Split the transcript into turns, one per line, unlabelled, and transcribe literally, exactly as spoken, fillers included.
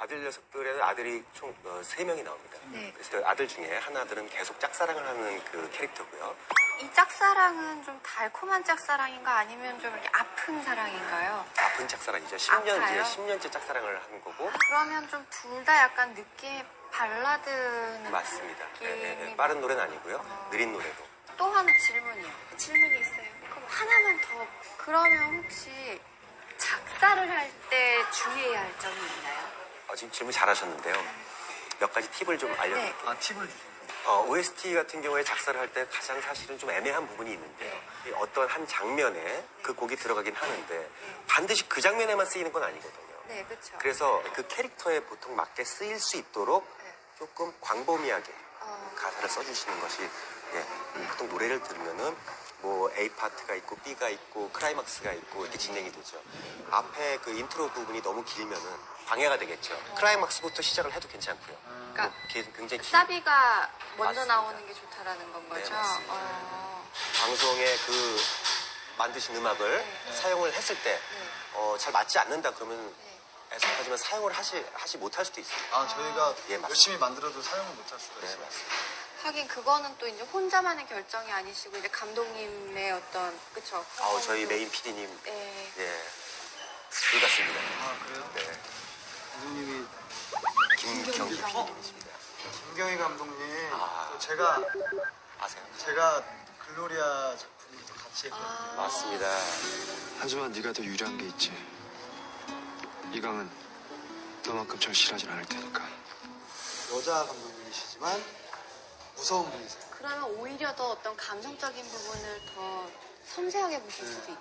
아들 녀석들에는 아들이 총 세 명이 나옵니다.
네.
그래서 아들 중에 하나들은 계속 짝사랑을 하는 그 캐릭터고요.
이 짝사랑은 좀 달콤한 짝사랑인가 아니면 좀 이렇게 아픈 사랑인가요?
아픈 짝사랑이죠. 십 년째,
아파요?
십 년째 짝사랑을 하는 거고.
그러면 좀 둘 다 약간 느낌이 발라드는
맞습니다. 네, 네, 네.
느낌이
빠른 노래는 아니고요. 느린 노래도.
또 하나 질문이요. 질문이 있어요. 그럼 하나만 더. 그러면 혹시 작사를 할 때 주의해야 할 점이 있나요?
어, 지금 질문 잘하셨는데요. 몇 가지 팁을 좀 알려드릴게요.
네.
아, 팁을 주세요.
어, 오에스티 같은 경우에 작사를 할 때 가장 사실은 좀 애매한 부분이 있는데요. 이 어떤 한 장면에 그 곡이 들어가긴 하는데 반드시 그 장면에만 쓰이는 건 아니거든요.
네, 그렇죠.
그래서 그 캐릭터에 보통 맞게 쓰일 수 있도록
네.
조금 광범위하게
어,
가사를 써주시는 것이 예, 보통 노래를 들으면은 뭐 A 파트가 있고 B가 있고 크라이막스가 있고 이렇게 진행이 되죠. 앞에 그 인트로 부분이 너무 길면은 방해가 되겠죠. 크라이막스부터 시작을 해도 괜찮고요.
그러니까
뭐 기- 굉장히 길-
사비가 먼저
맞습니다.
나오는 게 좋다라는 건 거죠?
네, 맞습니다.
어,
방송에 그 만드신 음악을
네.
사용을 했을 때
네.
어, 잘 맞지 않는다 그러면
네.
애석하지만 사용을 하시, 하시 못할 수도 있어요.
아, 저희가
예, 맞습니다.
열심히 만들어도 사용을 못할 수가
네,
있어요.
맞습니다.
하긴 그거는 또 이제 혼자만의 결정이 아니시고 이제 감독님의 어떤 그쵸?
아우, 저희 메인 피디님,
네.
예, 불같습니다.
아, 그래요?
네.
감독님이
김경기
김경기
피디님이십니다.
김경희 감독님,
아.
또 제가
아세요?
제가 글로리아 작품을 또 같이 했거든요.
아,
맞습니다.
하지만 네가 더 유리한 게 있지. 이강은 너만큼 절실하진 않을 테니까.
여자 감독님이시지만 무서운 분이세요.
그러면 오히려 더 어떤 감성적인 부분을 더 섬세하게 보실 수도 있고